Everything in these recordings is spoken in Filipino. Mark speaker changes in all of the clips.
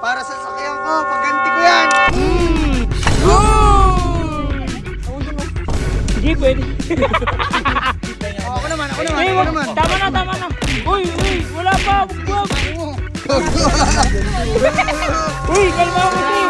Speaker 1: Para sa sakyan ko, pagganti ko yan.
Speaker 2: Hindi pwede.
Speaker 1: Ako naman.
Speaker 2: Tama na. Uy, wala pa. Wag. Uy, kalma mo si.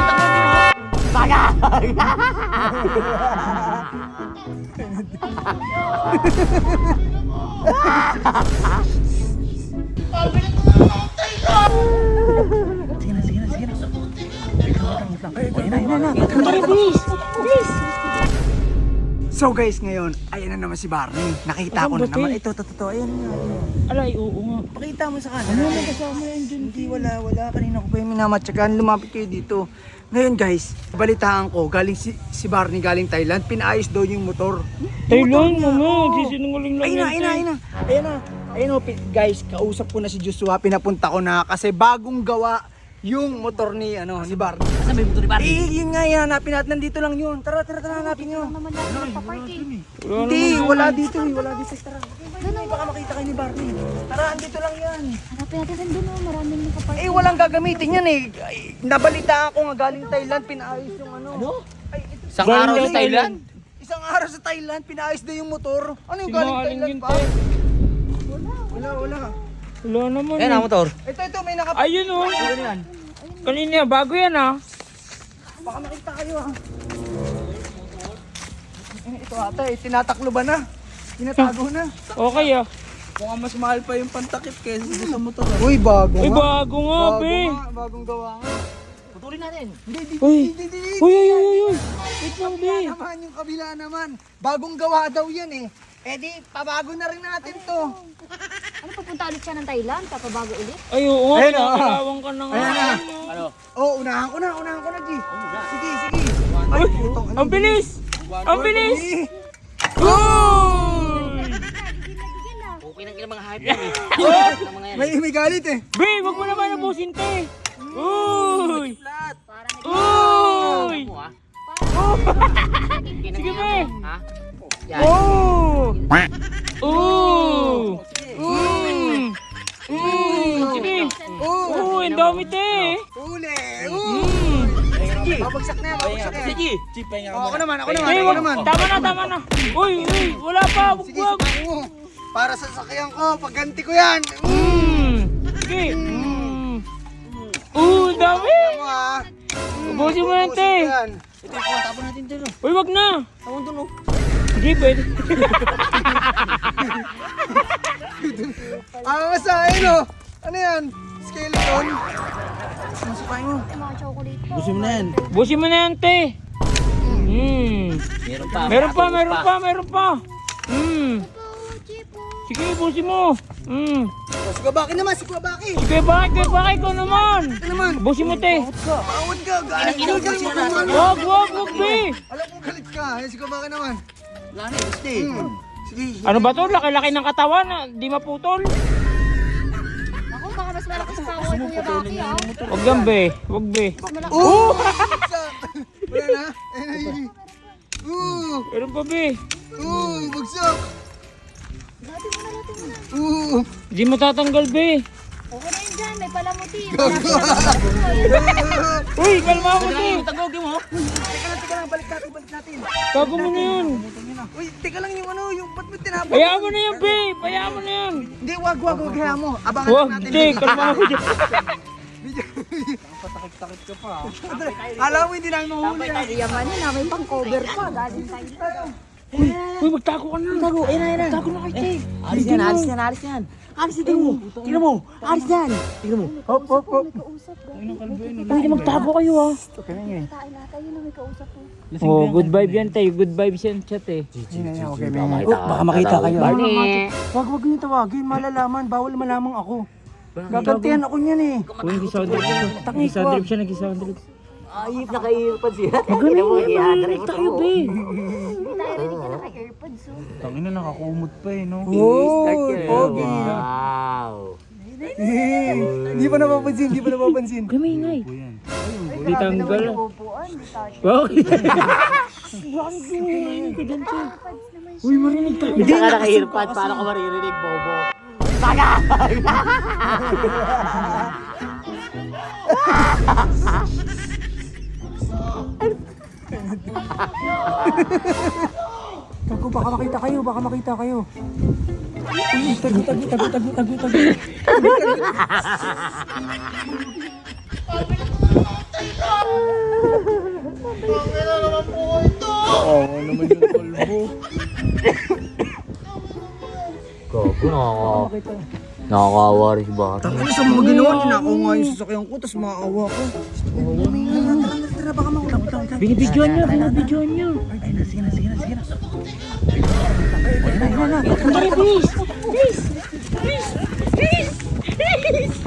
Speaker 1: So guys, ngayon, ayan na naman si Barney. Nakita ko na naman. Ito, ayan na.
Speaker 2: Alay, oo nga.
Speaker 1: Pakita mo sa kanila. Ano kasama yan dyan? Hindi, wala. Kanina ko pa yung minamatsagan. Lumapit kayo dito. Ngayon guys, balitaan ko, galing si Barney galing Thailand, pinaayos daw yung motor.
Speaker 2: Thailand, sisinungaling lang yan.
Speaker 1: Ayun na. Guys, kausap ko na si Joshua, pinapunta ko na kasi bagong gawa yung motor ni Barney.
Speaker 2: Saan ba yung motor ni Barney?
Speaker 1: Yun nga yan, hanapin natin, nandito lang yun. Tara, hanapin nyo.
Speaker 3: naman natin magpapark eh.
Speaker 1: Hindi, wala dito. Tara. Baka makita kayo ni Barney. Tara, andito lang yan.
Speaker 3: Hanapin natin saan doon, maraming nakapark.
Speaker 1: Walang gagamitin yan eh. Nabalita ako nga galing Thailand, pinaayos yung
Speaker 2: Isang araw sa Thailand?
Speaker 1: Isang araw sa Thailand, pinaayos daw yung motor. Ano yung
Speaker 2: Sinungaling
Speaker 1: galing Thailand
Speaker 2: yun,
Speaker 1: pa?
Speaker 2: te.
Speaker 1: Wala.
Speaker 2: Wala naman.
Speaker 4: Ayan ang motor.
Speaker 1: Ito, may
Speaker 2: Ayun oh.
Speaker 4: Ano yan?
Speaker 2: Kanina, bago yan ah.
Speaker 1: Baka makita kayo ah. Ito ata tinatakloban na. Tinatago na.
Speaker 2: Okay ah.
Speaker 4: Mukhang mas mahal pa yung pantakip kaysa sa motor.
Speaker 1: Uy, bago
Speaker 2: Uy, bago nga, be.
Speaker 1: Bagong gawa nga.
Speaker 4: Putulin natin.
Speaker 2: Uy. Uy. Wait lang, be.
Speaker 1: Naman yung kabila naman. Bagong gawa daw yan eh. Eh di, pabago na rin natin to.
Speaker 3: Ano, papunta ulit siya ng Thailand? Papabago ulit?
Speaker 2: Ay, oo nga.
Speaker 1: Ayun, oh.
Speaker 2: Pinakalawang ka na nga.
Speaker 1: Ayan na.
Speaker 4: Ano?
Speaker 1: Oh, unahan ko na, G. Sige. Ay, putong
Speaker 2: Ang bilis! Ang bilis!
Speaker 1: Uy!
Speaker 4: Okay nang ilang mga hype yan eh.
Speaker 1: May galit eh.
Speaker 2: Be, wag mo naman nabusin, te. Uy!
Speaker 4: Flat.
Speaker 2: Uy!
Speaker 4: Mo ah.
Speaker 2: Sige, be.
Speaker 4: Ha?
Speaker 2: Oh! Oh! Sige.
Speaker 1: Oh!
Speaker 2: Ang dami, te.
Speaker 1: Uli!
Speaker 2: Mm.
Speaker 1: Babagsak na yan.
Speaker 4: Sige. Chip, pahinga ka
Speaker 1: Ako
Speaker 4: muna.
Speaker 1: naman.
Speaker 2: Tama na. Uy, wala pa.
Speaker 1: Sige,
Speaker 2: Wag.
Speaker 1: para sa sakyan ko, pagganti ko yan.
Speaker 2: Sige. Ang dami.
Speaker 1: Ano ah?
Speaker 2: Ubusin mo yan, te.
Speaker 1: Yan.
Speaker 4: Ito yung tapon natin dito.
Speaker 2: Uy, wag na.
Speaker 4: Tawon dun oh.
Speaker 2: Hindi pwede.
Speaker 1: Basta, ayun. Ano yan? Skeleton? Masukain mo.
Speaker 3: Ay, mga chocolate pa.
Speaker 4: Busin mo na yan.
Speaker 2: Busin mo na yan, te. Meron pa. Sige, busin mo.
Speaker 1: Si Kuwabaki naman, si Kuwabaki.
Speaker 2: Sige, bakit ko naman?
Speaker 1: Ano naman?
Speaker 2: Busin mo, te.
Speaker 1: Pawad ka, galit ka.
Speaker 2: Wag, be.
Speaker 1: Alam kong galit ka. Si Kuwabaki naman.
Speaker 4: Wala na, gusti.
Speaker 1: Sige.
Speaker 2: Ano ba to? Laki-laki ng katawan, di maputol.
Speaker 3: Ako, baka mas malakas pa ako kay Kuya Baki ah.
Speaker 2: Wag yan, be. Wag, be.
Speaker 1: Oh! Wala na. Ayun.
Speaker 2: Meron pa, be.
Speaker 1: Bagsak.
Speaker 3: Dati mo na.
Speaker 2: Di mo tatanggal, be.
Speaker 3: Okay na yun dyan, may palamuti.
Speaker 2: Uy, kalma mo, te.
Speaker 4: Tagawin mo.
Speaker 1: Teka lang, balik natin.
Speaker 2: Tago mo na yun.
Speaker 1: Uy, teka lang yung yung ba't mo tinapon?
Speaker 2: Hayaan mo na yan, be. Hayaan mo na yan.
Speaker 1: Hindi, wag, hayaan mo. Abangan
Speaker 2: Wag,
Speaker 1: natin.
Speaker 2: te. Kalma mo dyan.
Speaker 4: Patakit-takit ka pa.
Speaker 1: Alam mo, hindi namin mahuli.
Speaker 3: Yaman yun, may pang-cover pa. Galing Thailand.
Speaker 2: Uy, magtago ka na.
Speaker 4: Tago, ayun na.
Speaker 2: Tago na kay te.
Speaker 4: Alis yan. Tingnan mo. Alis yan. Tingnan mo.
Speaker 1: Hop.
Speaker 3: May kausap.
Speaker 2: Pwede magtago kayo, ah.
Speaker 3: Tayo nata, yun na may kausap po.
Speaker 2: Oh, good vibe yan, te. Good vibes yan, chat, eh.
Speaker 1: Okay, baka makita kayo. Wag niyo tawagin, malalaman. Bawal malamang ako. Gagantihan ako niyan eh.
Speaker 2: Uy, nag-sound trip siya. Nag-sound trip siya, nag-sound trip.
Speaker 4: Ayip na kayo pa siya.
Speaker 2: Magaling yan, narinig tayo, be.
Speaker 3: Hindi tayo ready ka naka-airpods.
Speaker 4: Tangina nakakumot pa eh no.
Speaker 1: Pogi.
Speaker 4: Wow.
Speaker 1: Hindi pa napapansin.
Speaker 2: Kami ingay. Hindi tanggal.
Speaker 3: Upuan, di tayo.
Speaker 2: Bakit? Bakit ka dyan, te? Uy, marinig tayo.
Speaker 4: Hindi ka naka-earpad. Paano ka maririnig, Bobo?
Speaker 1: Tago, baka makita kayo, baka makita kayo. Uy, tago. Oo naman yung kalbo.
Speaker 4: Gago,
Speaker 1: Makita.
Speaker 4: nakakawa rin si Bar.
Speaker 1: Ano sa mga ginawa, ninakaw nga yung sasakyan ko, tapos maawa ko. Tara, baka makulang.
Speaker 2: Binibidyoan niyo, binibidyoan niyo.
Speaker 1: Ay, sige na.
Speaker 2: Please, please, please, please, please.